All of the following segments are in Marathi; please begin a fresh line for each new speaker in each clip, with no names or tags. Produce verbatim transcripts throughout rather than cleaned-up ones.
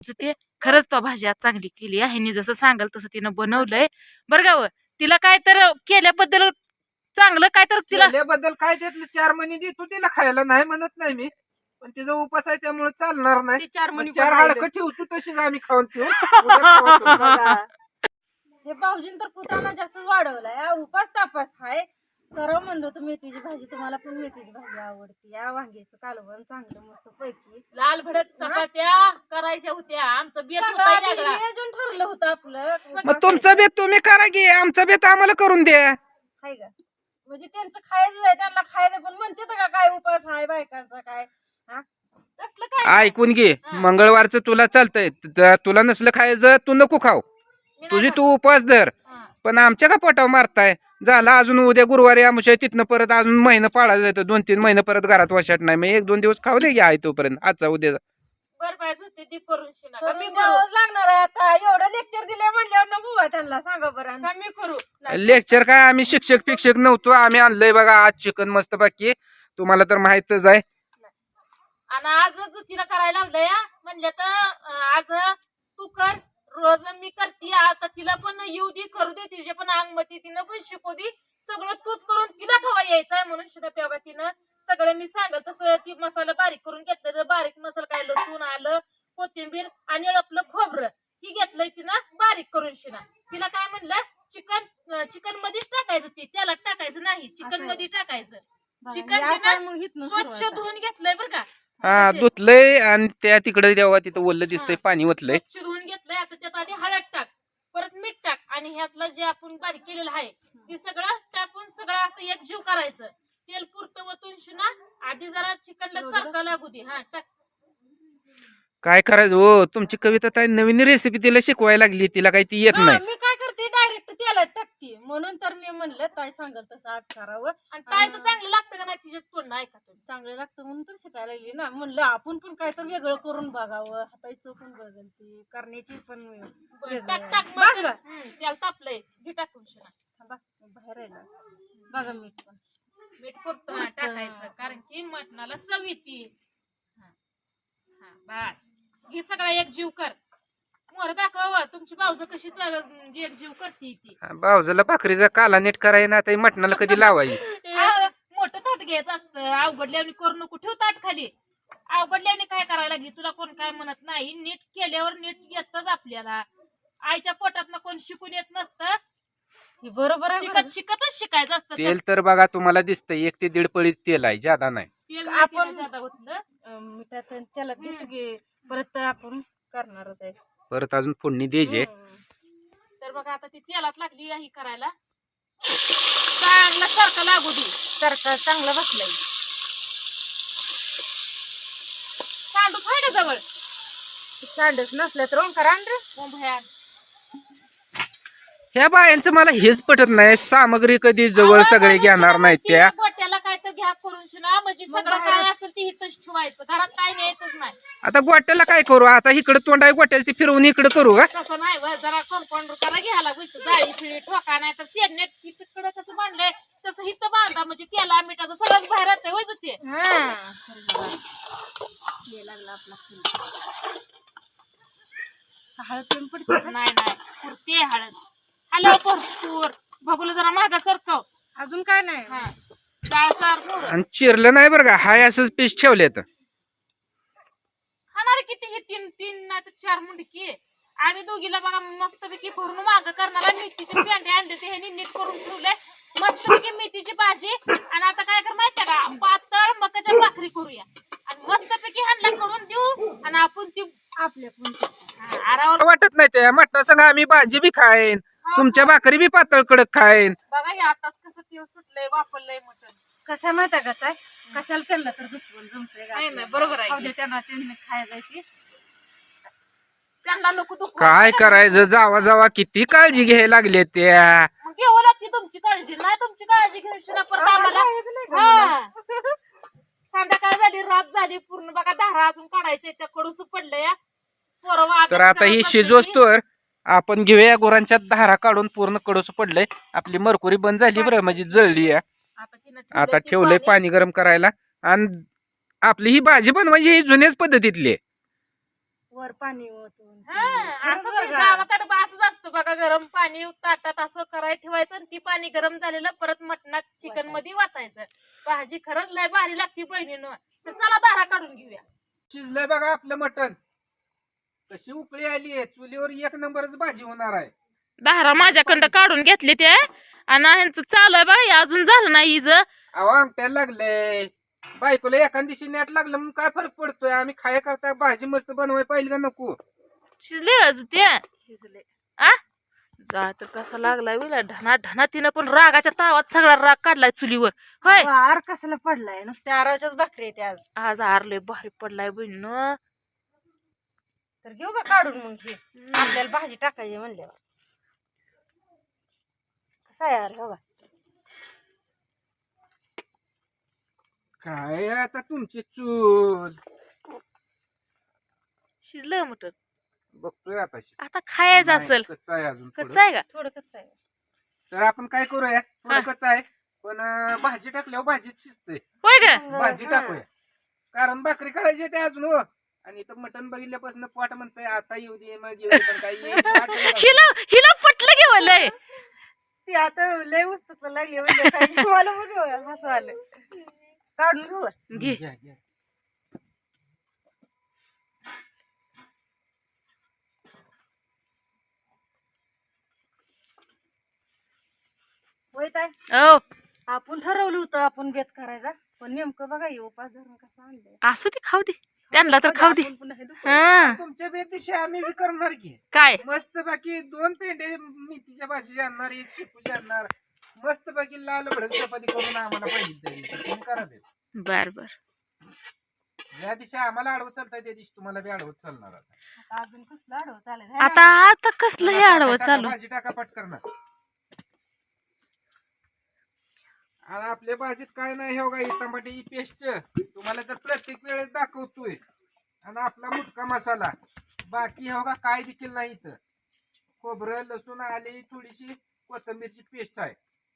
ते खरंच तो भाजी आज चांगली केली आहे. ह्यांनी जसं सांगाल तसं तिनं बनवलंय बरं का. व तिला काय तर केल्याबद्दल चांगलं काय तर तिला
बद्दल काय त्यातले चार महिने देतो तिला खायला, नाही म्हणत नाही मी, पण तिचा उपास आहे त्यामुळे चालणार नाही.
चार
मग
महिने
चार
पण
हाडकं ठेवतो तशीच आम्ही खाऊन ठेवू. उद्या खावा तुम्ही.
हे भाऊजीन तर कुटाणा जास्त वाढवलाय. उपास तापास हाय तर म्हणलो तर मेथीची भाजी, तुम्हाला पण मेथीची भाजी आवडते. या वांग्याचं कालवण चांगलं मस्त पैकी
लाल भडक चपात्या करायच्या होत्या. आमचं बेत होतं
सगळं
लागला.
नियोजन ठरलं होतं आपलं.
मग तुमचा बेत तुम्ही करा की, आमचा बेत आम्हाला करून द्या.
हाय का म्हणजे त्यांचं खायचं आहे, त्यांना खायचं पण म्हणते का काय उपास हाय बायकांचा काय. हा
तसलं काय
ऐकून घे, मंगळवारचं तुला चालतंय, त- तुला नसलं खायचं तू नको खाऊ, तुझी तू उपास धर, पण आमच्या का पोटावर मारताय. झाला अजून उद्या गुरुवारी आमुषा, तिथनं परत अजून महिना पाळायला जायचं, दोन तीन महिने परत घरात वशाट नाही. मग एक दोन दिवस खाऊ दे आहे तोपर्यंत, आजचा उद्या.
बर पाहिजे होते ती करून शिना का मी
करून
करू
द्यावंच लागणार आहे आता. एवढं लेक्चर दिले म्हणल्यावर नको बा त्यांना, सांगा बरं.
का मी करू.
लेक्चर काय, आम्ही शिक्षक फिक्षक नव्हतो, आम्ही आणलंय बघा आज चिकन मस्त बाकी, तुम्हाला तर माहितच आहे.
आणि आज जुतीला करायला लावलंय म्हणलं तर अं, आज तू कर, रोज मी करते. आता तिला पण येऊ दे, करू दे, तिचे पण अंगमती, तिनं पण शिकू दे. सगळं तूच करून तिला खवा यायचंय म्हणून शिदा पेवा तिनं सगळं मी सांगत तसं ती मसाला बारीक करून घेतलं. बारीक मसाला काय, लसूण आलं कोथिंबीर आणि आपलं खोबरं ही घेतलंय तिनं बारीक करून शिना. तिला काय म्हणलं, चिकन चिकन मध्येच टाकायचं, ते त्याला टाकायचं नाही, चिकन मध्ये टाकायचं. चिकन तिनं स्वच्छ धुवून घेतलंय बरं का.
हा धुतलंय आणि त्या तिकडे तेव्हा तिथं ओलं दिसतंय, पाणी ओतलंय.
स्वच्छ धुवून घेतलंय. आता त्यात आधी हळद टाक, परत मीठ टाक आणि ह्यातलं जे आपण बारीक केलेलं आहे ते सगळं टाकून सगळं असं एक जीव करायचं. तेल पुरतं वतून शिना, आधी जरा चिकनला चरका लागू दे. हा टाक.
काय करायचं हो, तुमची कविता काय नवीन रेसिपी तिला शिकवायला लागली, तिला काही ती येत नाही.
मी काय करते डायरेक्ट तेलात टाकते, म्हणून तर मी म्हणलं ताई सांगाल तसं आज करावं.
आणि ताईचं चांगलं लागतं का नाही तिच्याच तोंड ऐका तुम्ही.
चांगलं लागतं म्हणून तर शिकायला लागली ना. म्हणलं आपण पण काय तर वेगळं करून बघावं, हाताचं पण बदलते, करण्याची पण वेगळं.
टाक टाक
बघ
मग. हम्म, त्याला तापलंय घे टाकून शिना.
थांबा, बाहेर आहे ना. बघा मीठ पण
मीठ पुरतं हा टाकायचं, कारण की मटणाला चव येते. हा बस, हे सगळा एक जीव कर. मोर दाखव तुमची भाऊज कशी एक जीव करते ती.
भाऊजाला भाकरीचा काला नीट करायला ना, आता मटणाला कधी लावायची.
आ, मोठं ताट घ्यायचं असतं, अवघडल्याने करू नको, ठेव ताट खाली. अवघडल्याने काय करायला लागली, तुला कोण काय म्हणत नाही. नीट केल्यावर नीट येतच आपल्याला. आईच्या पोटात कोण शिकून येत नसतं,
बरोबर आहे.
शिकत शिकतच शिकायचं असतं.
तेल तर बघा तुम्हाला दिसतंय, एक ते दीड पळीच तेल आहे, ज्यादा नाही.
तेल
आपण-
जादा होतं.
मिठात त्याला घेतो की परत आपण करणारच आहे.
परत अजून फोडणी द्यायची.
तर बघा आता ती तेलात लागली ही करायला, चांगला सारखं लागू दे.
सारखा चांगला बसलाय.
सांडूच आहे ना जवळ,
सांडच नसलं तर ओंकार आण रे.
मुंबईत
ह्या बायांचं मला हेच पटत नाही, सामग्री कधी जवळ सगळे घेणार नाहीत त्या.
गोट्याला काय तर घ्या करून शिना, म्हणजे सगळं काय असेल ते इथंच ठेवायचं, घरात काय न्यायचंच नाही.
आता गोट्याला काय करू, आता इकडे तोंड आहे गोट्याला, ती फिरवून इकडे करू का.
तसं नाही बरं, जरा कंपाऊंडर करा घ्यायला गुस्त, जाळी फिळी ठोका, नाही तर शेडनेट तिकडं कसं बांधलंय तसं इथं बांधा, म्हणजे तेला मिठाचं सगळं बाहेर येतंय होय ते.
लागला आपला हळद पण पडते.
नाही नाही पुरते हळद. हॅलो भरपूर बघूला जरा मागा सरकव.
अजून काय नाही.
हा डाळ सार पोरं.
आणि चिरलं नाही बरं का, हाय असंच पीस ठेवले तर.
खाणार किती हे तीन तीन नाही तर चार मुंडकी. आम्ही दोघीला बघा मस्तपैकी भरून माग करणार. मेथीचे पेंडे आणले ते ह्यानी नीट करून ठेवले, मस्तपैकी मेथीची भाजी. आणि आता काय कर माहितीये का, पातळ मकाच्या भाकरी करूया आणि मस्तपैकी हांडला करून देऊ आणि आपण ती
आपल्या पण
आरावर
वाटत नाही त्या मटणा संग आम्ही भाजी बी खाईन, तुमच्या भाकरी बी पातळ कडक खाईन.
बघा हे आताच कसं ते सुटलंय वापरलंय मटण.
कसं माहिती का काय, कशाला त्यांना तर दुखवून जमतंय
नाही नाही बरोबर आहे,
त्यांना त्यांनी खायला
त्यांना नको दुखू.
काय करायचं, जावा जावा किती काळजी घ्यायला लागले त्या.
मग घ्यावं लागते तुमची काळजी, नाही तुमची काळजी घेऊन ना परत आम्हाला. हा. संध्याकाळ झाली, रात झाली पूर्ण, बघा धारा अजून काढायच्या त्या, कडूस पडलंय.
तर आता ही शिजोस्तोवर आपण घेऊया गुरांच्या धारा काढून, पूर्ण कडूस पडलंय, आपली मरकुरी बंद झाली बरं, म्हणजे जळली आहे. आता ठेवलंय पाणी गरम करायला, आणि आपली ही भाजी बनवायची ही जुन्याच पद्धतीतली.
वर पाणी ओतून
हा, असंच आहे, गावाकडे बा असंच असतं बघा. गरम पाणी ताटात असं करायला ठेवायचं आणि ती पाणी गरम झालेलं परत मटणात चिकन मध्ये वाटायचं. भाजी खरंच लय भारी लागती बहिणीनं. तर चला दारा काढून घेऊया.
शिजलंय बघा आपलं मटण. कशी उकळी आली आहे, चुलीवर एक नंबरच भाजी होणार आहे.
दारा माझ्याकडं काढून घेतली ते आणि ह्यांचं चालू आहे बघा, अजून झालं नाही हिज.
अहो आमट्याला लागलंय, बायकोला एखाद दिवशी नेट लागलं म्हणून काय फरक पडतोय. आम्ही खाया करता भाजी मस्त बनवाय पाहिजे का नको.
शिजले अजून ते
शिजले.
आ जा तर कसा लागलाय विला ढना ढना. तिनं पण रागाच्या तावात सगळा राग काढलाय चुलीवर. होय
वार कशाला पडलाय, नुसत्या आराच्याच भाकरी येते आज.
आज आरले भारी पडलाय बहिणीनं.
तर घेऊ का काढून मग हे, आपल्याला भाजी टाकायची म्हणल्यावर. कसा यार हो
काय आता तुमची चूल.
शिजलंय मटण.
बघतोय आता
आता खायचं असेल.
कच्चा आहे अजून थोडं.
कच्चा आहे का?
थोडं कसं आहे.
तर आपण काय करूया, थोडं
हा.
कच्चा आहे पण अं, भाजी टाकल्यावर भाजीत शिजते.
होय का?
भाजी टाकूया, कारण भाकरी करायची आहे ते अजून हो. आणि इथं मटण बघितल्यापासून पोट म्हणतंय आता येऊ दे मग येऊ दे, पण काही येत नाही. वाट बघत आहे.
हिला हिला पटलं घेवलंय.
ती आता लय उस्तू लागली म्हणजे काय मला पण हसू आलं. काढून घेऊ का?
घे.
घ्या, घ्या.
होय ताई,
ओ
आपण ठरवलं होतं आपण बेत करायचा, पण नेमकं बघा हे उपास धरून कसं आणलंय.
असू दे, खाऊ दे त्यांना तर खाऊ दे.
आपण पुन्हा हे दुखवू.
हा
तुमच्या बेतीशी आम्ही बी करणार की
काय
मस्त बाकी दोन पेंडे मेथीच्या भाजी आणणार, एक शेपूची आणणार, मस्त बाकी लाल भडक चपाती करून आम्हाला पाहिजे त्या दिवशी. तुम्ही करा ते.
बर बर.
ज्या दिवशी आम्हाला आडवत चालतंय त्या दिवशी तुम्हाला बी आडवत चालणार. आता
आता अजून कसलं आडवं चालेल.
आता आता कसलं हे आडवं
टाका,
चालू.
भाजी टाका पटकन. आणि आपल्या भाजीत काय नाही हो गाई, टमाट्याची पेस्ट तुम्हाला तर प्रत्येक वेळेस दाखवतोय. आणि आपला मुटका मसाला, बाकी हो का काय देखील नाही इथं. खोबरं, लसूण, आले, थोडीशी कोथिंबीरची पेस्ट आहे.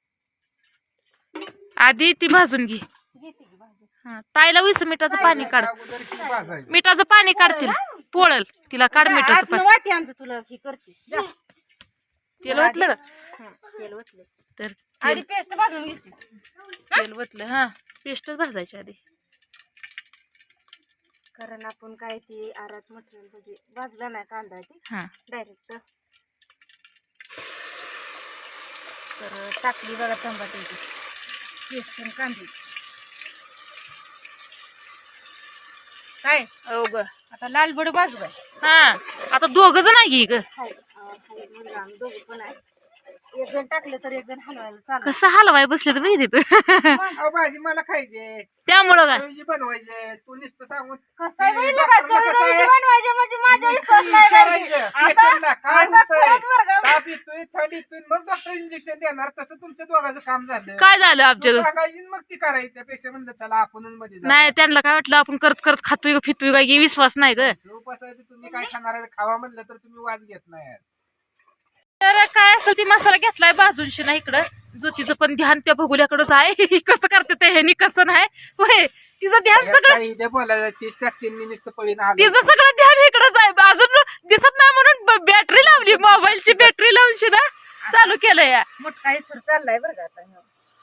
आधी ती भाजून घे.
घेते की भाजी.
हा, ताईला वीस मिठाचं पाणी काढ.
अगोदर ती भाजायची.
मिठाचं पाणी काढतील पोळल तिला. काढ मिठाचं
आतलं
पाणी.
वाटी आमचं तुला हे करते जा.
तेल ओतलं का?
हं, तेल ओतलं.
तर
आधी पेस्ट भाजून घेते.
तेल ओतलं. हा पेस्टच भाजायची आधी.
कारण आपण काय ते आरात मटेरियल म्हणजे भाजला नाही कांदा ते
हा
डायरेक्ट. तर टाकली बघा टमाट्याची पेस्ट आणि कांदे. काय
हो ग.
आता लाल बड भाजू काय.
हा आता दोघ जण आहे की ग.
हाय अं, हाय म्हणजे आम्ही दोघं पण आहे. एक जण टाकलं तर एक जण हलवायला चालू.
कसं हलवाय बसले तर माहिती तू.
अहो भाजी मला खायचे,
त्यामुळं काय
चवीची बनवायचे. तू नुसतं सांगून
कसं आहे
ती
बघितलं का?
डॉक्टरला कसं
चवीची
आहे?
बनवायची म्हणजे माझ्या विश्वास
नुसतं
नाही
विचारायचं,
करायची. आता
पेशंटला काय
आता
होतंय,
खरंच बरं का?
ताप येतोय, थंडी येतोय, मग डॉक्टर इंजेक्शन देणार. तसं तुमच्या दोघांचं काम झालं.
काय झालं आमच्या
तू सांगायची आणि मग ती करायची. त्यापेक्षा म्हणलं चला आपणच मध्ये जाऊ.
नाही त्यांना काय वाटलं आपण करत करत खातोय का फितोय काय विश्वास नाही ग.
उपास आहे ते तुम्ही काय खाणार आहे खावा म्हणलं तर तुम्ही वाज घेत नाही.
तर काय असेल ती मसाला घेतलाय भाजूनशी ना इकडं. ज्योतीचं पण ध्यान त्या भगुल्याकडंच आहे. कसं करते ते ह्यानी कसं नाही होय. तिचं ध्यान सगळं
काही इथे बोलायला तीस टक्के मी नुसतं पळीन आलो.
तिचं सगळं ध्यान इकडंच आहे. अजून दिसत नाही म्हणून बॅटरी लावली, मोबाईलची बॅटरी लावून शिना चालू केलं या.
मोठा इथं चाललाय बरं का आता.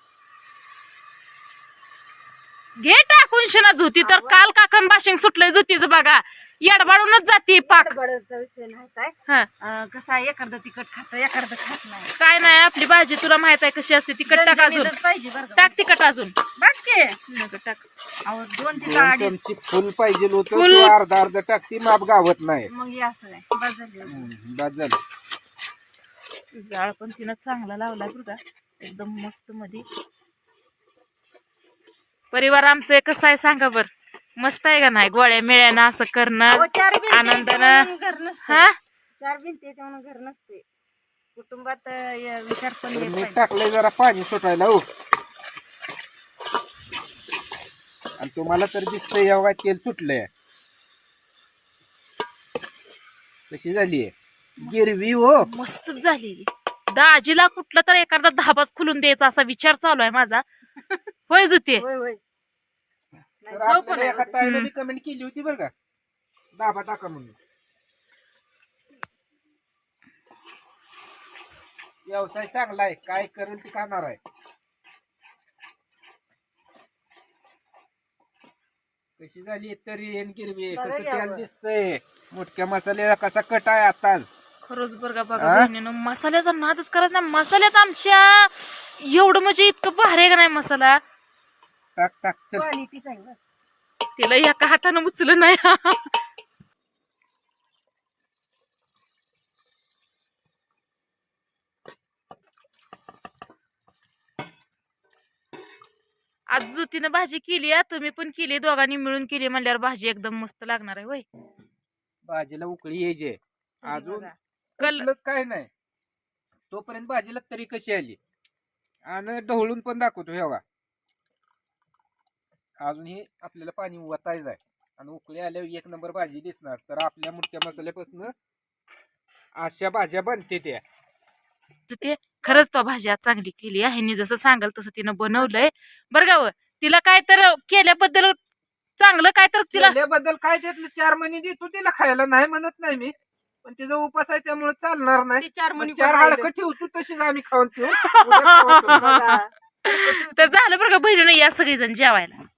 घे टाकून शिना. झोती तर काल काकण बाशिंग सुटलंय झोतीचं बघा. येडबाडूनच जाते पाक.
बडबडचा विषय नाही काय.
हा
अं, कसं आहे एखादं तिखट खातं एखादं खात नाही.
काय नाही आपली भाजी तुला माहित आहे कशी असते. तिखट टाक अजून.
दणदणीतच पाहिजे बरं का.
टाक तिखट अजून.
बघ की.
नको टाक.
अहो दोन ते
दोन
अडीच
चमची फुल पाहिजे होतं,
फुल.
तू अर्धा अर्धा टाकती माप गावत नाही.
मग हे असं आहे बस झाली.
हम्म, बस झालं.
जाळ पण तिनं चांगला लावलाय बरं का. एकदम मस्त मध्ये. परिवार आमचं कसं आहे सांगा बर. मस्त आहे का नाही. गोळ्या मिळ्यानं असं करणं
अहो, चार भिंती
आनंदानं.
याच्यामुळं घर नसते.
हा
चार भिंती याच्यामुळं घर नसते. कुटुंबात अं, हे विचार पण
तर
येत
मीठ
पाहिजे.
टाकलंय जरा पाणी सुटायला हो. आणि तुम्हाला तर दिसतंय एवढा तेल सुटलंय. कशी झालीये गिरवी हो.
मस्तच झालेली. दाजीला कुठलं तर एखादा धाबाच खुलून द्यायचा असा विचार चालू आहे माझा. होय जुते.
होय होय. नाही,
तर
जाऊ पण
आपल्याला
आहे.
एका ताईने बी कमेंट केली होती बरं का, दाबा टाका म्हणून. व्यवसाय चांगला आहे, काय करेल ते खाणार आहे. कशी झाली तरी येण गिरवी
बघा
कसं
घ्यावं.
तेल दिसतंय, मोठ्या मसाल्याला कसा कट आहे आताच.
खरंच बरं का बघा
हा?
बहिणीनं मसाल्याचा नादच करायचा नाही. मसाल्यात आमच्या एवढं म्हणजे इतकं भारी आहे का नाही मसाला.
टाक टाक चल.
क्वालिटी चांगलं.
त्याला एका हातानं उचलं नाही. आज ज्योतीनं भाजी केली आहे, तुम्ही पण केली, दोघांनी मिळून केली म्हणल्यावर भाजी एकदम मस्त लागणार आहे होय.
भाजीला उकळी यायची अजून
बघा.
कल
कुठलंच काय नाही. तोपर्यंत भाजीला तरी कशी आली आणि ढवळून पण दाखवतो हे बघा. अजून हे आपल्याला पाणी वतायचं आहे आणि उकळी आल्यावर एक नंबर भाजी दिसणार. तर आपल्या मुठ्या मसाल्यापासून अशा भाज्या बनते त्या.
ते खरंच तो भाजी आज चांगली केली आहे. ह्यांनी जसं सांगाल तसं तिनं बनवलंय बरं का व. तिला काय तर केल्याबद्दल चांगलं काय तर तिला
केल्याबद्दल काय त्यातलं चार महिने देतो तिला खायला, नाही म्हणत नाही मी, पण तिचा उपास आहे त्यामुळे चालणार नाही.
ते चार
मग
मणी
चार
पण
हाडकं
राहिलं.
ठेवतो तशीच आम्ही खाऊन ठेवू. उद्या खाऊ ठेवू.
बघा.
तर झालं बरं का बहिणीनं या सगळेजण जेवायला.